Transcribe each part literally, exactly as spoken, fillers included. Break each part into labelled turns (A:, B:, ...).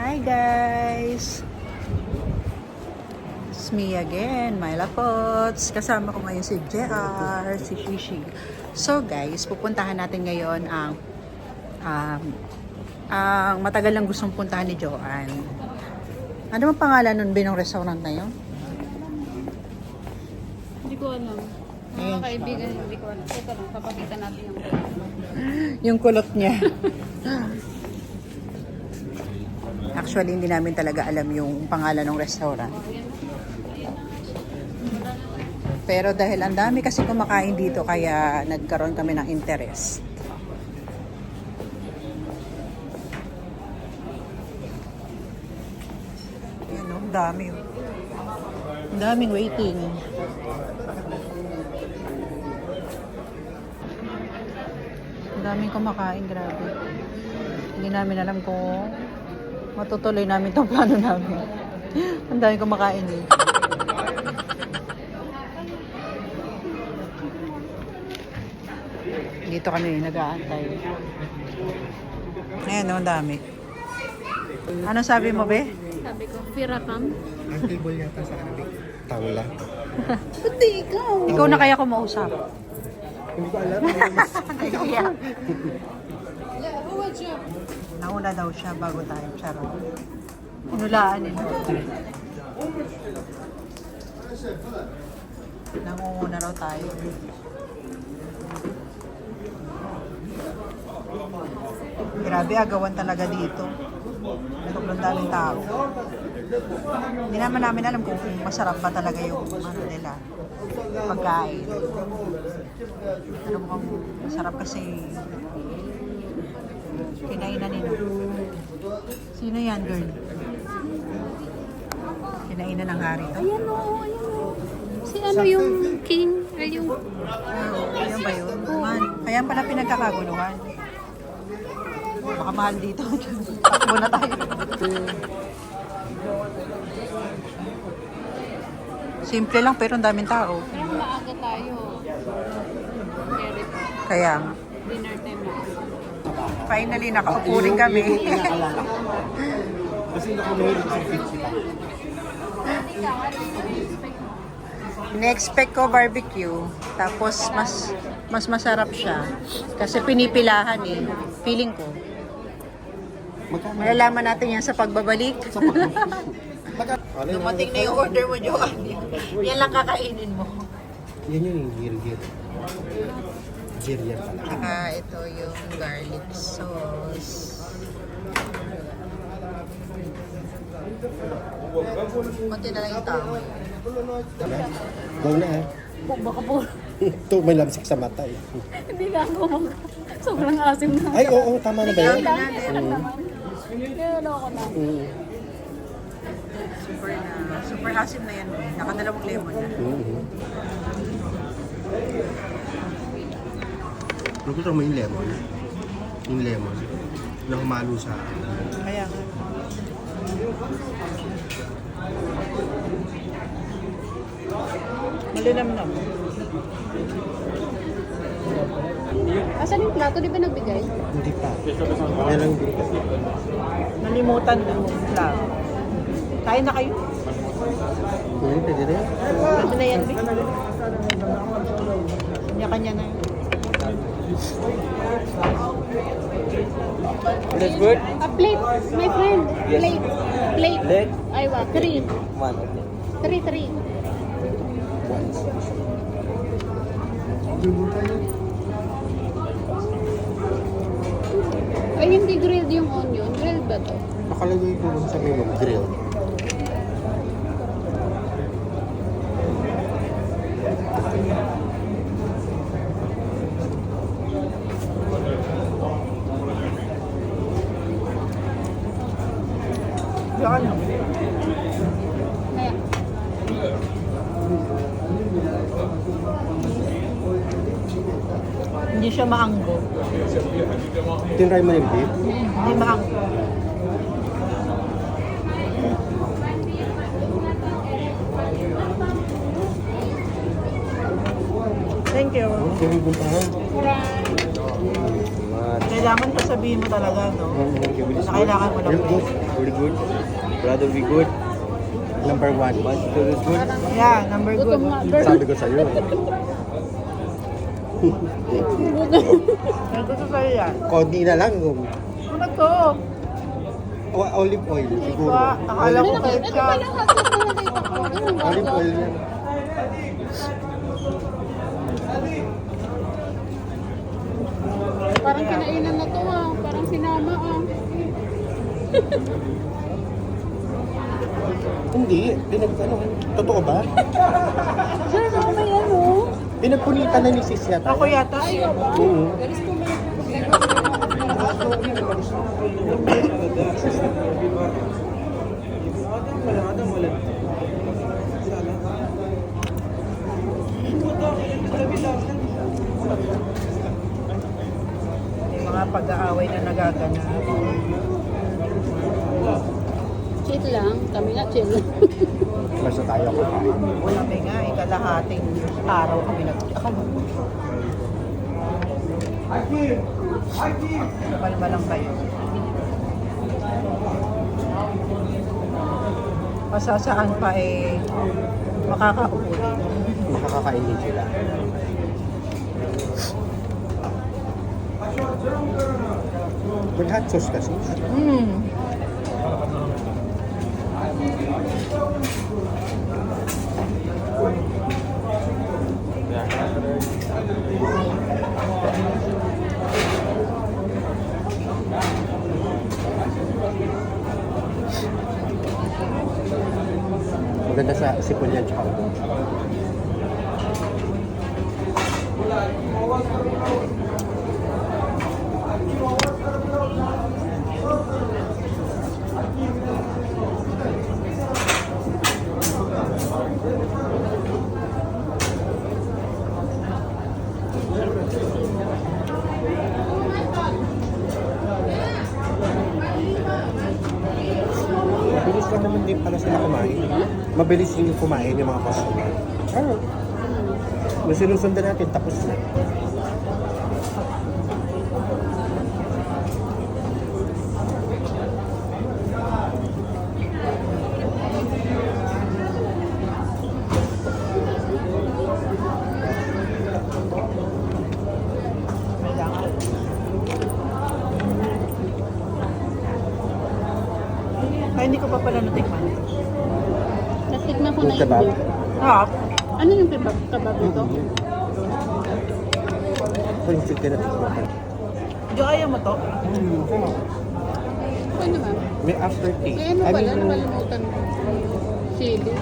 A: Hi guys! It's me again, Myla Potts. Kasama ko ngayon si J R, si Shishi. So guys, pupuntahan natin ngayon ang um, ang matagal lang gustong puntahan ni Joanne. Ano ang pangalan nun binong restaurant na yun?
B: Hindi ko alam. Mga kaibigan, hindi ko alam. Ito lang, papakita natin yung
A: Yung kulot niya. Actually, hindi namin talaga alam yung pangalan ng restaurant. Pero dahil ang dami kasi kumakain dito, kaya nagkaroon kami ng interest. Yan o, ang dami. Ang daming waiting. Ang daming kumakain, grabe. Hindi namin alam kung matutuloy namin itong plano namin. Ang daming kumakain eh. Dito kami nag-aantay. Ayan, ang dami. Ano sabi mo, be?
B: sabi ko, Firakam.
C: Ang table yata sa Arabic. Tawla.
B: Pati ikaw.
A: Ikaw na kaya kumausap.
C: Hindi ko alam.
A: Kaya.
B: Yeah, who was you?
A: Nauna daw siya bago tayo. Charot. Inulaan nila. Nangunguna raw tayo. Grabe, agawan talaga dito. Sobrang daming tao. Hindi naman namin alam kung masarap ba talaga yung ano nila, pagkain. Pero mukhang masarap kasi kinainan nila. Sino yan, girl? Kinainan ng hari to?
B: Ayan o, ayan o. Si ano yung king? Ay, yung...
A: Oh, yun ba yun? Man, kaya pala pinagkakaguluhan. Baka mahal dito. Takbo na tayo. Simple lang pero ang daming tao.
B: Pero maaga tayo. Very
A: Kaya
B: dinner time na.
A: finally nakaupo rin kami.
C: Kasi nakumahilig sa pizza.
A: In-expect ko barbecue. Tapos mas mas masarap siya. Kasi pinipilahan eh. Feeling ko.
C: Magkano?
A: Malalaman natin yan sa pagbabalik. Dumating na yung order mo, Joanne. Yan lang kakainin mo.
C: Yan yun yung gir-gir. Gir yan pala.
A: Saka ito yung garlic sauce. Kunti na lang yung tao.
C: Go na eh.
B: Baka po,
C: Ito may lamsik sa mata eh.
B: hindi na ako mag... Sobrang asim na.
C: Ay, oo, tama na ba yun?
B: Kaya lang naman. Kaya ano ako na.
C: Mm.
A: Super na, super asim na yan. Nakadalawang lemon na.
C: Mm-hmm. Gusto mo yung lemon? Yung lemon na humalo sa...
A: Kaya nga. Malinamnam.
B: Asan yung plato? Di ba nagbigay?
C: Hindi pa. Kaya lang din kasi.
A: Nalimutan na lang. Kain na kayo.
C: Hindi, pwede rin.
A: Pwede na yan, Vic. Kanya-kanya na yun.
C: That's good?
B: A plate, my friend. Plate. Plate.
C: Plate?
B: Aywa, three.
C: One, okay.
B: Three, three. Ay, hindi grilled yung onion. Grilled ba to?
C: Nakalagay ko lang sa menu, grill.
A: Yan.
B: Kaya.
A: Hindi siya maanggo.
C: Tinry mo yung beef?
A: Hindi maanggo. Thank you.
C: Okay, buntahan.
B: Alright.
C: Naman.
A: Kailangan sasabihin mo talaga, no? Na kailangan mo ng
C: Very good. Very good. Brother, be good. Number one. One, two, is good.
A: Yeah, number good.
B: Gutom nga, girl.
C: Sabi ko sa'yo.
A: May gusto sa'yo yan.
C: Konti na lang.
A: Ano to?
C: O- Olive oil, siguro.
A: Ba? Akala ko
B: Ito
A: ketchup.
B: pala hotdog na nakita ko. Ano ba?
C: Olive oil yan.
B: Parang kinainan na to ah. Parang sinama ah.
C: Hindi. Pinag, ano, totoo ba?
B: Sir, ano ba yan oh?
C: Pinagpunitan na ni sis yata.
A: Ako yata.
C: Oo.
A: May mga pag-aaway na nagaganap.
B: Chill lang. Kami nga chill.
C: Basta tayo ko.
A: Kami nga, ikalahating araw kami nagkakalo. Palma lang kayo. Masasaan pa eh, makakaupo din.
C: Makakakainin sila. May hot sauce kasi.
A: Mm.
C: Maganda sa sipon yan tsaka ubo. Mabilis lang naman din pala sila kumain. Mabilis din yung kumain yung mga customer. Ah. Nung sinusundan natin, tapos na.
A: Kailangan. Ay, hindi ko pa pala natikman.
B: Natikman ko na
C: Yung kebab.
B: yun.
A: Ah,
B: Ano yung kebab, kebab ito?
C: Ito yung chicken at chicken.
A: hindi ayaw mo to?
B: Okay naman.
C: May aftertaste.
B: Eh ano
C: I
B: pala,
C: mean,
B: nakalimutan ko. Chili.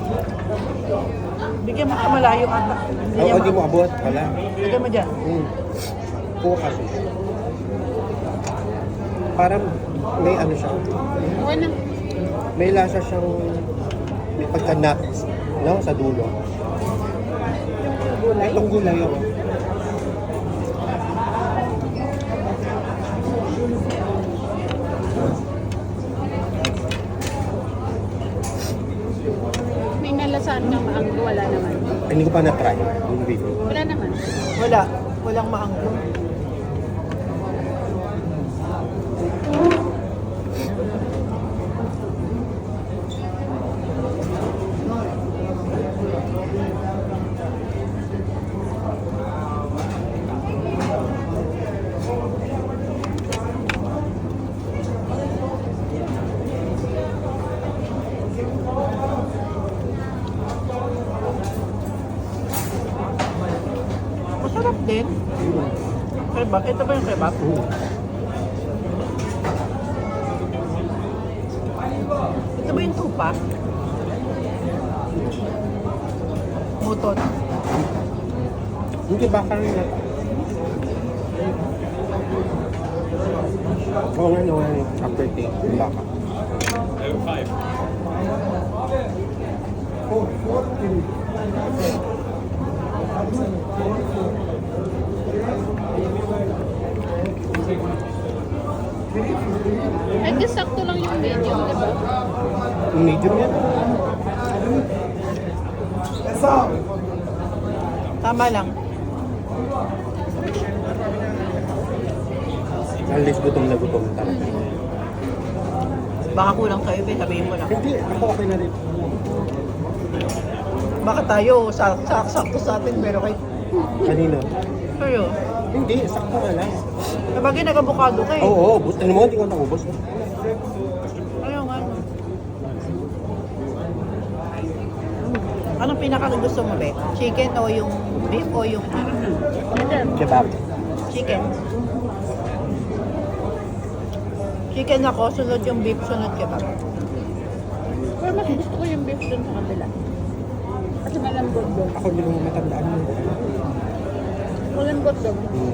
A: Bigyan mo ka malayo ata.
C: oh, oh, di mo abot. Wala.
A: Bigyan mo dyan.
C: Mm. Kuha kasi. Parang may ano siya.
B: Okay na.
C: May lasa siyang may pagka-nuts. No? Sa dulo.
A: Gulay.
C: Itong gulay yun.
B: May nalasaan kang maanggo, wala naman.
C: Ay, hindi ko pa na-try. Yung video.
B: Wala naman.
A: Wala. Walang maanggo. Masarap din. Kebab. Ito ba yung kebab?
C: Mm.
A: Ito ba yung tupa? Mutot.
C: Hindi baka rin na. Oo nga, no, nga, aftertaste. Yung baka.
B: Ay, di sakto lang yung medium, di ba?
C: Yung medium yan.
A: Tama lang.
C: At least gutom na gutom talaga.
A: Baka kulang sa'yo, be, sabihin mo lang.
C: Hindi, ako okay na rin.
A: Baka tayo, sa, sa, sakto sa atin, pero kay...
C: Kanino?
A: Sa'yo.
C: Hindi, sakto na lang.
A: Sabagay, nag-avocado ka eh.
C: Oo, oo. But, ano mo, hindi ko naubos.
A: Ayaw nga. Anong pinaka gusto mo, be? Chicken o yung beef o yung
C: Kebab.
A: chicken? Chicken ako, sunod yung beef, sunod kebab.
B: Pero mas gusto ko yung beef dun sa kabila. Kasi malambot doon.
C: Ako hindi ko matandaan mo.
B: Malambot doon.
C: Hmm.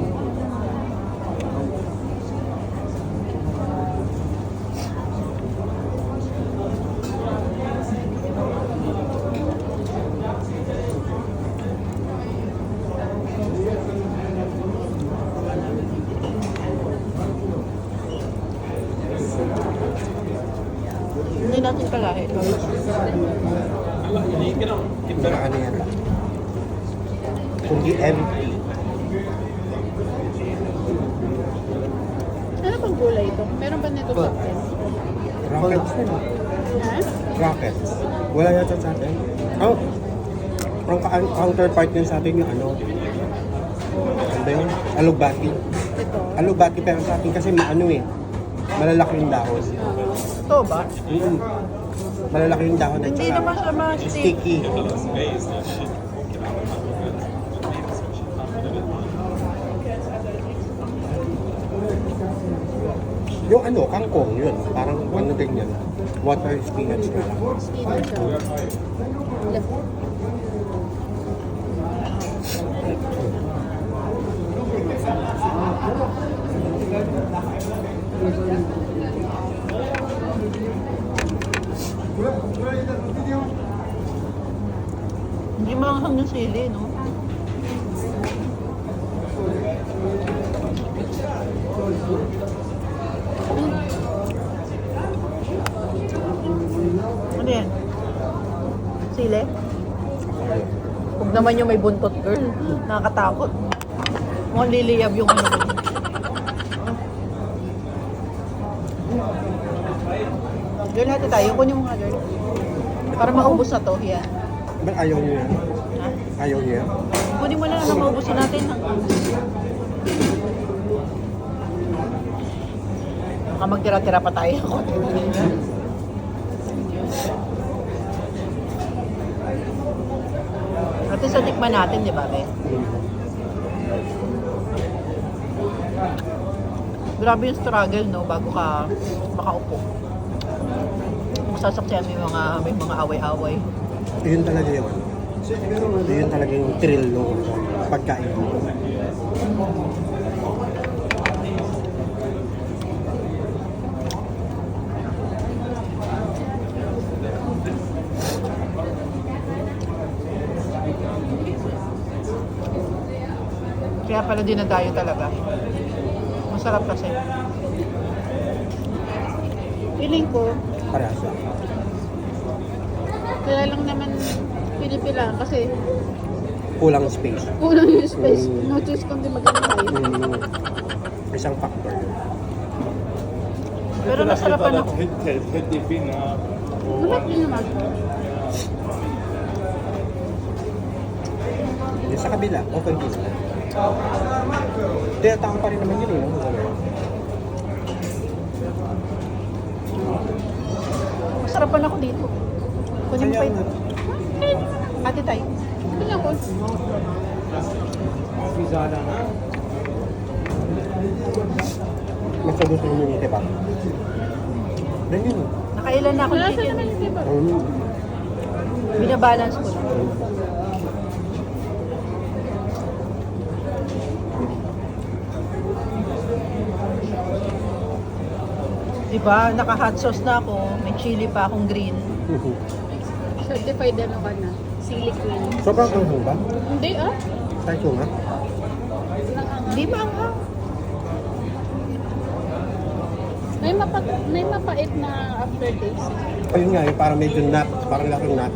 A: Hindi natin kalahin.
C: Mga ano yan. Kundi empty.
B: Ano pang gulay ito? Meron ba nito sa atin?
C: Rockets na.
B: Ha?
C: Rockets. Wala yata sa atin. Oh, ang ka- ang counterpart niya sa atin yung ano. Ano ba yun? Alugbati.
B: Ito.
C: Alugbati pero sa atin kasi maano eh. Malalaki yung dahon.
A: Ito ba?
C: Mm. Malalaki yung dahon at
A: Hindi
C: saka
A: naman siya mga stick.
C: sticky. Yung ano, kangkong yun. Parang ano din yan. Water spinach na lang.
B: Spinach siya. Left.
A: Hindi maanghang yung sili, no? Ano yan? Sili? Huwag naman yung may buntot, girl. Nakakatakot. Mukhang liliyab yung ano. Girl, hati tayo. Kunin mo nga, girl. Para maubos na to. Yan.
C: Ba't ayaw niyo yan?
A: Ha?
C: Ayaw niyo yan?
A: Kunin mo lang na maubusin natin. Baka magtira-tira pa tayo. At sa tikman natin, di ba, be? Grabe yung struggle, no? Bago ka makaupo. Masasaksiyan may mga, may mga away-away.
C: Yun talaga yun. Yun talaga yung thrill no pagkain dito.
A: Kaya pala dinadayo talaga. Masarap kasi.
B: Feeling ko,
C: Parehas lang.
B: kaya lang naman pinipilaan kasi
C: Kulang space.
B: kulang yung space.
C: Mm.
B: No choice kundi mag-antay.
C: Mm, isang factor yun.
A: Pero nasarapan ako.
B: Lumit din naman.
C: Yung sa kabila, okay din sila. Tinatawag pa rin naman yun eh. No?
A: Masarapan ako dito. Kunin mo pa
C: Kaya
A: ito.
C: nga.
A: Ate tayo.
B: Ito lang ko.
C: Mas gusto nyo yung diba? Ganyan.
A: Nakailan na ako
B: Wala sa
A: chicken.
B: naman yung diba?
C: Um,
A: Binabalance ko lang. Diba, naka-hot sauce na ako. May chili pa akong green.
B: Certified ano ka na? Sili queen.
C: Sobrang anghang ba?
B: Hindi ah.
C: Kahit yung nga.
A: Di ba ang hang?
B: May, mapa may mapait na aftertaste.
C: Ayun nga, yung parang medyo nut. Parang lakong nut.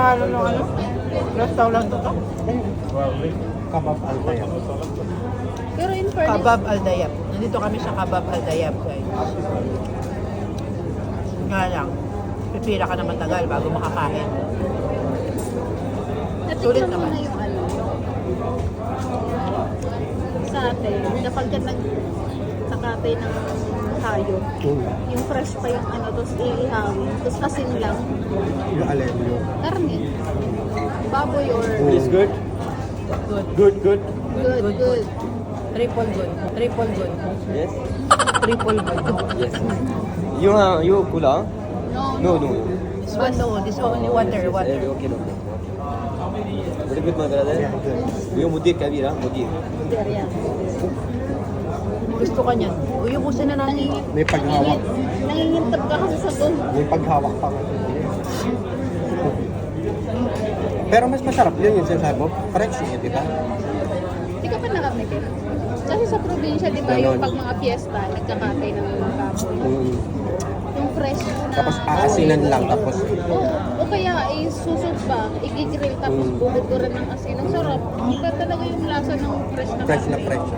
A: pangalan ng ano? Restaurant to to?
C: Kabab Altayab.
B: Pero in fairness,
A: Kabab Aldayab. Nandito kami sa Kabab Aldayab, guys. Nga lang, pipila ka naman tagal bago makakain. Sulit
B: natikman mo
A: naman.
B: na yung ano. Sa atin, kapag ka nag sakatay ng hayop,
C: Mm.
B: yung fresh pa yung ano, tapos iihawin, tapos asin lang,
C: Yung alin yung...
B: karne. Baboy or
C: It's good?
A: Good.
C: Good, good.
B: good,
A: Good,
B: good.
A: Triple good. Triple good.
D: Yes.
A: Triple good.
D: Yes. You have you cola?
B: No,
D: No, no.
A: This one, no. This only water,
D: Eh,
A: water.
D: Okay, no. Very good, my brother.
C: Yeah, good.
D: You mudir kabir, ah, mudir.
B: There, yeah.
A: Gusto ka niyan. Uyubusin na natin.
B: Nangingin,
C: May paghawak.
B: nangingintab ka kasi sa doon.
C: May paghawak pa nga. Pero mas masarap yun yung sinasabi mo. Fresh yun, di ba?
B: Hindi ka pa nakamitin. Kasi sa probinsya, di ba,
C: Ganon.
B: yung pag mga fiesta, nagkakatay ng mga baboy.
C: Mm.
B: Yung fresh na...
C: Tapos aasinan lang, tapos
B: Oo, o kaya eh, susot pa, igigrill tapos
C: Mm.
B: bubuturan ng asin. Ang sarap. Iba talaga yung lasa ng fresh na
C: fresh na
B: karne.
C: fresh.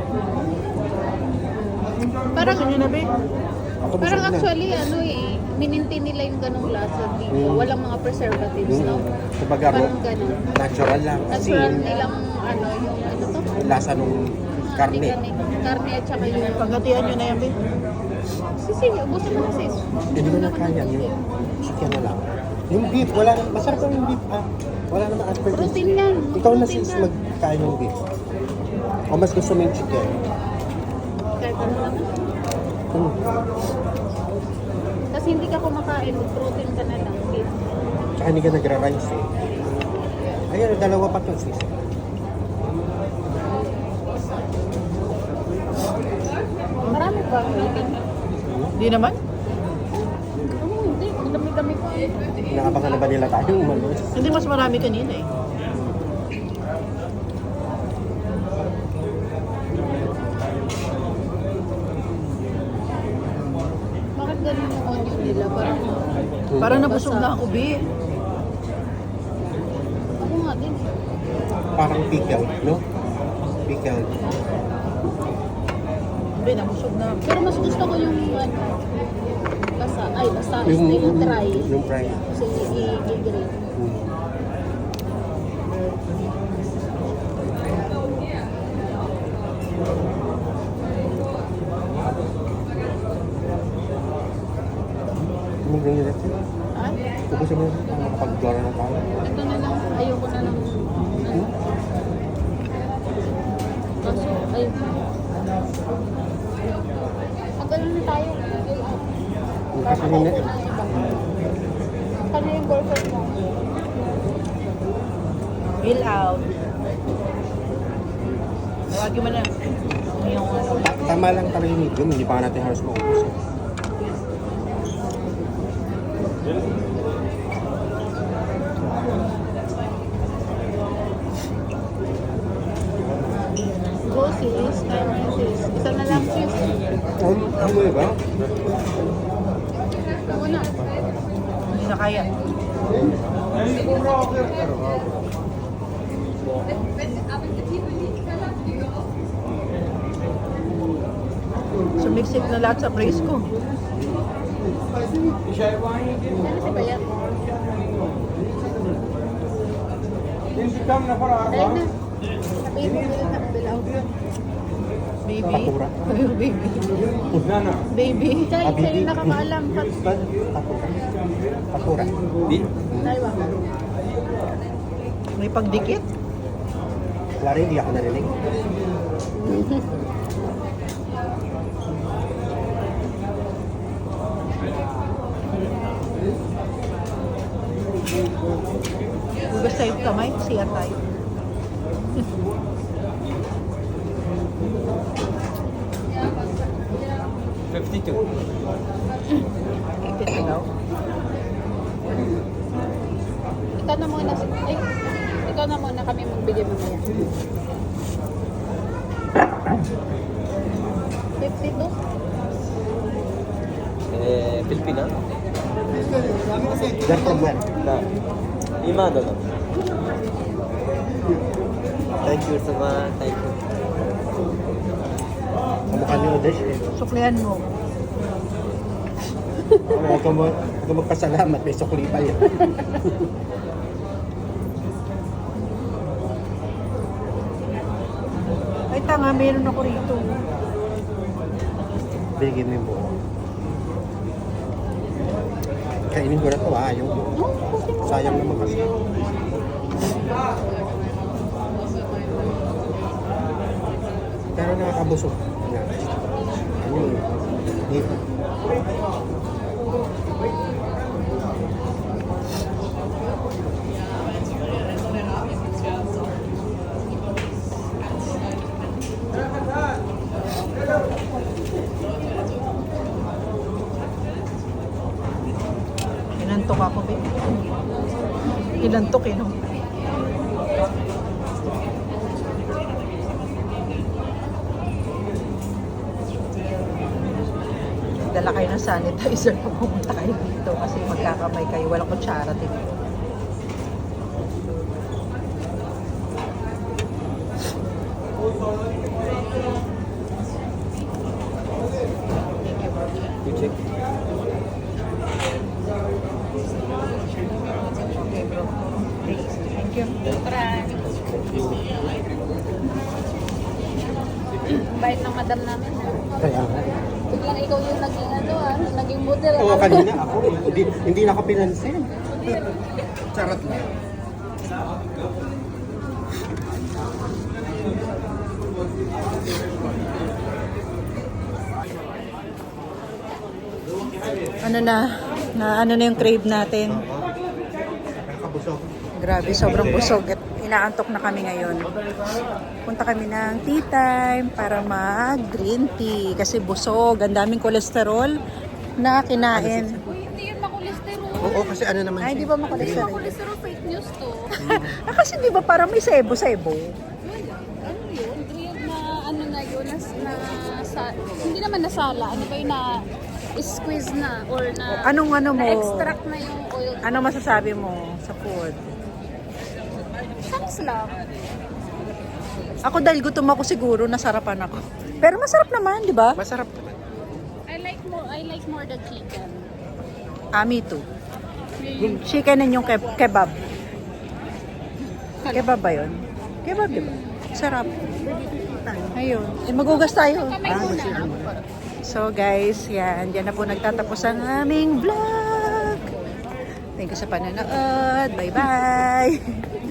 B: Parang,
A: Gusto niyo na, be?
C: Ako
B: parang
C: busog na.
B: actually, ano eh, minintin nila yung ganong lasa dito.
C: Mm.
B: Walang mga preservatives,
C: Mm.
B: no?
C: Kumbaga,
B: Parang ganon.
C: natural lang.
B: Natural
C: Asin,
B: nilang, ano, yung ano to?
C: lasa nung karne.
B: Karne at saka yung...
A: Paghatian niyo na yan, be.
B: Sisi, ubusin mo na sis.
C: Hindi ko na kaya yung chicken na lang. Yung beef, wala na, masarap lang yung beef ah. Wala naman asperges.
B: Protein yan.
C: Ikaw na
B: Protein
C: sis
B: yan.
C: magkain yung beef. O mas gusto mo yung chicken?
B: Kahit ano naman.
C: Hmm.
B: Kasi hindi ka kumakain, protein ka na lang. Beef.
C: Tsaka hindi ka nagra-rice eh. Ayun, dalawa pa to sis.
B: Marami ba ang eating?
A: Hindi naman.
B: Oo, hindi. Ang dami-dami ko.
C: Naabangan na ba nila tayo umalis?
A: Hindi mas marami kanina eh.
B: Bakit ganun yung onion nila? Parang,
A: Parang nabusog na ako, be.
B: ako nga din.
C: Parang pickle, no? Pickle.
A: Be, nabusog na.
B: Pero mas gusto ko yung ano, basa. Ay, basa.
C: Yung,
B: Yung, yung dry.
C: yung fry.
B: Kasi i-grill.
C: Hmm. Yung ganyan natin.
B: Ha?
C: Ubusin mo na makapag-dora na tayo.
B: Ito na lang. Ayoko na lang.
C: Hmm?
B: Kaso, ay. Pag ano na tayo.
C: Kasi hindi.
B: Kanya yung boyfriend mo.
A: Bill out. Tawagin mo na. Yung ano.
C: Tama lang talaga yung medium, hindi pa nga natin halos maubos. eh.
B: Go sis. Tayo ngayon sis. Isa na lang sis.
C: Um, ano mo ba?
B: Ako na.
A: Hindi na kaya. Sumiksik na lahat sa praise ko.
B: Ano si Bayat? Dahil na. Sabihin mo bilang na bilaw.
A: Baby.
C: Patura.
A: Baby. Baby.
B: Chay,
C: Ah,
B: sa'yo
C: baby.
B: nakakaalam. Pat,
C: Patura. Patura.
D: Di?
B: Daiwa.
A: May pagdikit.
C: Wala rin, hindi ako narinig.
A: Hugas tayo yung kamay. Siya tayo.
D: fifty-two.
A: Ikit na daw.
B: Ikaw na muna. si- Ay, ikaw na muna kami magbigay mamaya. fifty-two?
D: Eh, Filipina?
C: They're from where?
D: Na. 今どうぞ Thank you so much. Thank you.
C: Kamukha ni Odesh eh.
A: Suklihan mo.
C: Huwag ka mo- huwag ka magpasalamat, may sukli pa yan.
A: Ay, tanga, meron ako rito.
C: Bigyan mo yung buo. Kainin ko na to ah, yung buo. Sayang naman kasi. Pero nakakabusog. Ano yun? Dito.
A: Inantok ako, babe. Inantok eh, no? Dala kayo ng sanitizer pag pumunta kayo dito kasi magkakamay kayo. Walang kutsara dito.
D: You check.
A: Okay, bro. Okay, thank you.
B: Bait ng madam namin.
C: Kaya nga.
B: Biglang ikaw yung naging ano ah, naging model.
C: Oo, kanina ako. Hindi, hindi na ako pinansin. Charot lang.
A: Ano na, na ano na yung crave natin.
C: Nakakabusog.
A: Grabe, sobrang busog at inaantok na kami ngayon. Punta kami ng tea time para mag-green tea kasi busog. Ang daming kolesterol na kinain.
B: Uy, hindi yun makolesterol.
C: Oo, kasi ano naman
A: Ay,
C: siya.
A: di ba makolesterol?
B: Makolesterol fake news to.
A: Ah, kasi di ba parang may sebo-sebo?
B: Ano yun? Yung na ano na yun, na, na sa, hindi naman nasala. Ano ba yun na squeeze na or na
A: Anong ano mo?
B: na-extract na yung oil.
A: Ano masasabi mo sa food?
B: Thanks lang.
A: Ako dahil gutom ako siguro, nasarapan ako. Pero masarap naman, di ba?
C: Masarap naman.
B: I like more I like more the chicken.
A: Ah, me too. Yung chicken and yung ke- kebab. Kebab ba yun? Kebab, di ba? Sarap. Ayun. Eh, magugas tayo.
B: Kamay muna.
A: So guys, yan. Diyan na po nagtatapos ang aming vlog. Thank you sa panonood. Bye-bye.